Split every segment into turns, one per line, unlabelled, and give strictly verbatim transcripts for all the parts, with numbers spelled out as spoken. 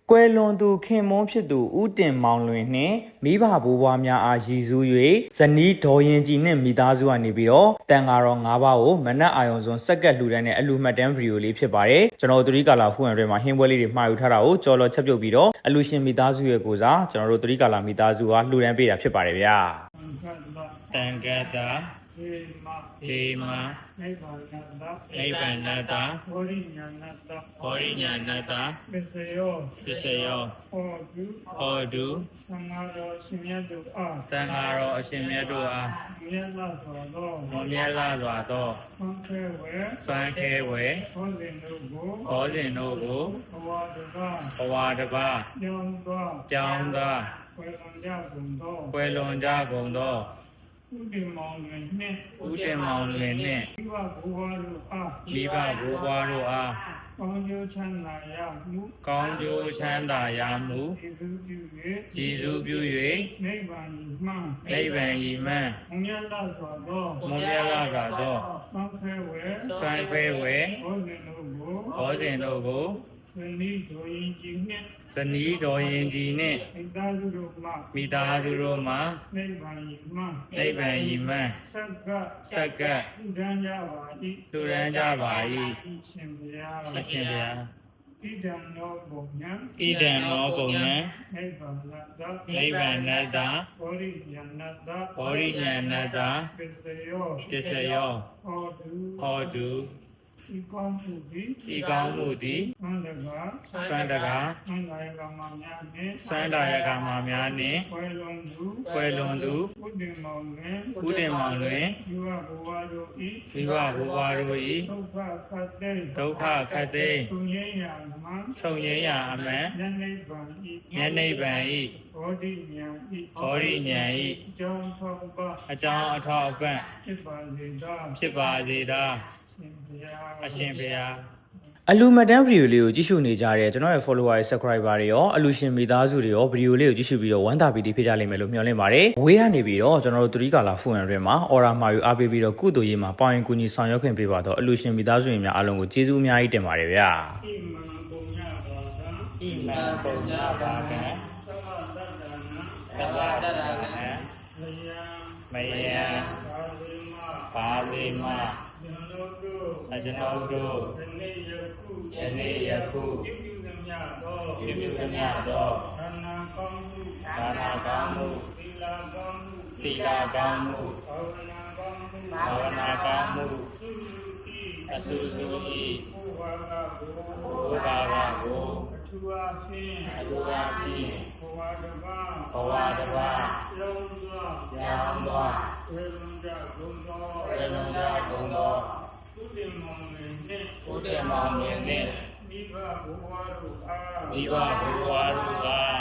ကွယ်လွန်သူခင်မွန်းဖြစ်သူဦးတင်မောင်လွင်နှင့်မိဘဘိုးဘွားများအားရည်စူး၍ဇနီးဒေါ်ရင်ကြည်နှင့်မိသားစုကနေပြီးတော့တန်ဃာတော်၅ပါးကိုမနက်အာရုံစွန်စက္ကက်လှူဒန်းတဲ့အလူမှတ်တမ်းဗီဒီယိုလေးဖြစ်ပါတယ်ကျွန်တော်တို့သတိကာလာဖူးရန်တွေမှာဟင်းပွဲလေးတွေမှာယူထားတာကိုကြော်လော်ချက်ပြုတ်ပြီးတော့အလူရှင်မိသားစုရဲ့ကိုစားကျွန်တော်တို့သတိကာလာမိသားစုကလှူဒန်းပေးတာဖြစ်ပါတယ်ဗျာတန်ကတ္တာေမာနိဗ္ဗာန်နိဗ္ဗာန်နတ္တဘောရိညာဏတ္တဘောရိညာဏတ္တပစ္စယောပစ္စယောဟောတုဟောတုသံဃာတော်အရှင်မြတ်တို့အားသံဃာတော်အရှင်မြတ်တို့အားမြတ်လာစွာသောမြတ်လာစွာသောဆွမ်းခဲဝဲဆွမ်းခဲဝဲဟောစဉ်တို့ကိုဟောစဉ်တို့ကိုဘဝတပါဘဝတပါပြောင်းသောပြောင်းသောွယ်လွန်ကြကုန်သောွယ်လွန်ကြကုန်သောဦးတင်မောင်လွင်နှင့်ဦးတင်မောင်လွင်နှင့်မိဘဘိုးဘွားတို့အားမိဘဘိုးဘွားတို့အားကောင်းကျိုးချမ်းသာရမှုကောင်းကျိုးချမ်းသာရမှုကျေးဇူးပြု၍ကျေးဇူးပြု၍နိဗ္ဗာန်မှနိဗ္ဗာန်ဤမှမွန်မြတ်လာစွာသောမွန်မြတ်လာစွာသောသံခဲဝဲသံခဲဝဲဟောစဉ်တို့ကိုဟောစဉ်တို့ကိုဇနီးဒေါ်ရင်ကြည်နှင့်ဇနီးဒေါ်ရင်ကြည်နှင့်မိသားစုတို့မှမိသားစုတို့မှနိဗ္ဗာန်ဤမှနိဗ္ဗာန်ဤမှစက္ကစက္ကလူဒန်းကြပါ၏လူဒန်းကြပါ၏ရှင်ဘုရားရှင်ဘုရားဣဒံနောပုံညာဣဒံနောပုံညာနိဗ္ဗာန်နတ္တနိဗ္ဗာန်နတ္တဘောရိညာဏတ္တဘောရိညာဏတ္တပစ္စယောပစ္စယောဟောတုဟောတုဤကောင်းမှုသည်ဤကောင်းမှုသည်သံတကာသံတကာသံဃာယကမများနှင့်သံဃာယကမများနှင့်ွယ်လွန်သူွယ်လွန်သူဥဒိမောင်တွင်ဥဒိမောင်တွင်ဇီဝဘဝတို့ဤဇီဝဘဝတို့ဤဒုက္ခခတ်သိဒုက္ခခတ်သိသုံးရင်းရာအမှန်သုံးရင်းရာအမှန်ဉာဏ်နိဗ္ဗာန်ဤဉာဏ်နိဗ္ဗာန်ဤဘောဓိဉာဏ်ဤဘောဓိဉာဏ်ဤအကြောင်းထောက်ပအကြောင်းအထောက်ပဖြစ်ပါစေသောဖြစ်ပါစေသောအရှင်ဘုရားအလူမတန်းဗီဒီယိုလေးကိုကြည့်ရှုနေကြတဲ့ကျွန်တော်ရဲ့ follower တွေ subscriber တွေရောအလူရှင်မိသားစုတွေရောဗီဒီယိုလေးကိုကြည့်ရှုပြီးတော့ဝမ်းသာပီတိဖြစ်ကြလိမ့်မယ်လို့မျှော်လင့်ပါတယ်။ဝေးကနေပြီးတော့ကျွန်တော်တို့သတိကာလာဖူးရန်တွေမှာ order မှာယူအားပေးပြီးတော့ကုသိုလ်ရေးမှာပေါင်ရင်ကူညီဆောင်ရွက်ခွင့်ပေးပါတော့အလူရှင်မိသားစုတွေများအားလုံးကိုကျေးဇူးအများကြီးတင်ပါတယ်ဗျာ။ဣမံပုံညပါကံဣမံပုံညပါကံသဗ္ဗတတ္တနာသဗ္ဗတတ္တနာမယံမယံပါလိမအကျွန်ုပ်တို့ယနေ့ယခုယနေ့ယခုပြုပြုသမျှသောပြုပြုသမျှသောဒါနာကောင်းမှုဒါနာကောင်းမှုသီလကောင်းမှုသီလကောင်းမှုဘာဝနာကောင်းမှုဘာဝနာကောင်းမှုအဆုစုဤဘုရားကကိုဘုရားကကိုအထူးအားဖြင့်အထူးအားဖြင့်ဘဝတပါဘဝတပါလုံးစွာရောင်းစွာဝေလွန်ကြကုန်သောဝေလွန်ကြကုန်သောဥဒ္ဓမောင်နှင့်ဥဒ္ဓမောင်နှင့်မိဘဘုရားတို့အားမိဘဘုရားတို့အား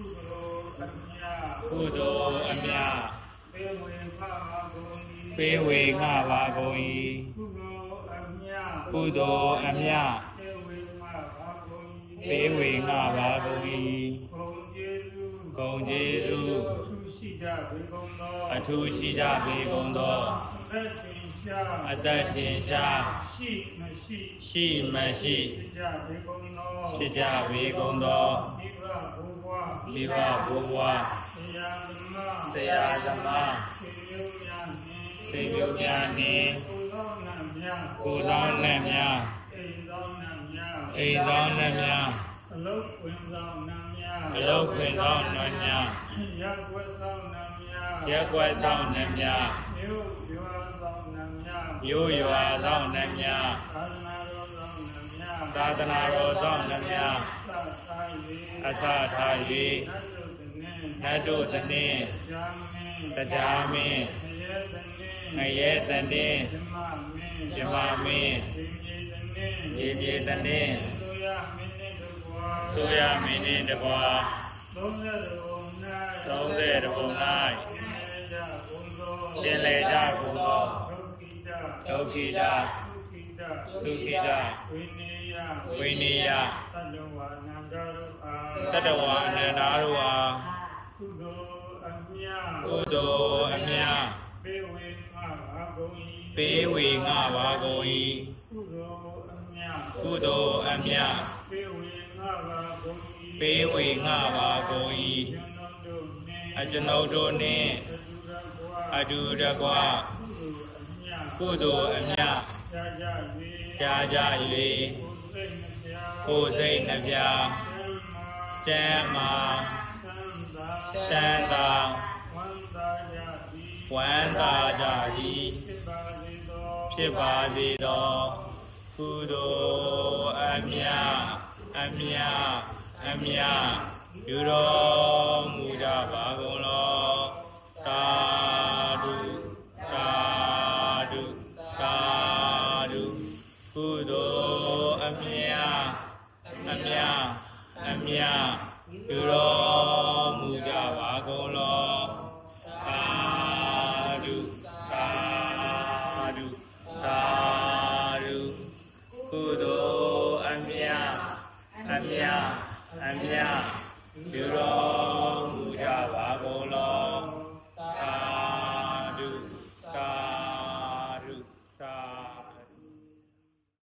ကုသိုလ်အမြတ်ကုသိုလ်အမြတ်ပေးဝေငှပါကုန်၏ပေးဝေငှပါကုန်၏ကုသိုလ်အမြတ်ကုသိုလ်အမြတ်ပေးဝေငှပါကုန်၏ဂုဏ်ကျေးဇူးဂုဏ်ကျေးဇူးအထူးရှိကြပေကုန်သောအသက်ထင်ရှားရှိမရှိရှိမရှိဖြစ်ကြပေကုန်သောဖြစ်ကြပေကုန်သောမိဘဘုရားမိဘဘုရားဆရာသမားဆရာသမားစေမျိုးများနှင့်ကိုယ်ဆောင်နှံများအိမ်ဆောင်နှံများအိမ်ဆောင်နှံများအလုတ်ခွင်ဆောင်နှံများအလုတ်ခွင်ဆောင်နှံများရက်ွယ်ဆောင်နှံများရက်ွယ်ဆောင်နှံများမြို့ရွာဆောင်နှံများမြို့ရွာဆောင်နှံများသာသနာတော်ဆောင်နှံများအစထား၍နတ်တို့တနည်းတရားမင်းငရဲတနည်းဓမ္မမင်းရေပြေတနည်းဆိုရမင်းနှင့်တကွာသုံးဆယ်ပုံ၌ရှင်လေကြကုန်သောဒုက္ခိတဒုက္ခိတဝိနည်းယတတဝါအနန္တတို့အားကုသိုလ်အမြတ်ကုသိုလ်အမြတ်ပေးဝေငှပါကုန်၏ပေးဝေငှပါကုန်၏ကုသိုလ်အမြတ်ကုသိုလ်အမြတ်ပေးဝေငှပါကုန်၏ပေးဝေငှပါကုန်၏အကျွန်ုပ်တို့နှင့်အတူတကွကုသိုလ်အမြတ်ကြားကြ၍ကိုယ်စိတ်နှပြကျမ်းမာရှမ်းသာဝမ်းသာကြသည်ဖြစ်ပါစေသောကုသိုလ်အမြတ်အမြတ်အမြတ်ပြုတော်မူကြပါကုန်လောသာဓုသာဓုသာဓုကုသိုလ်အမြတ်အမြတ်အမြတ်ပြုတော်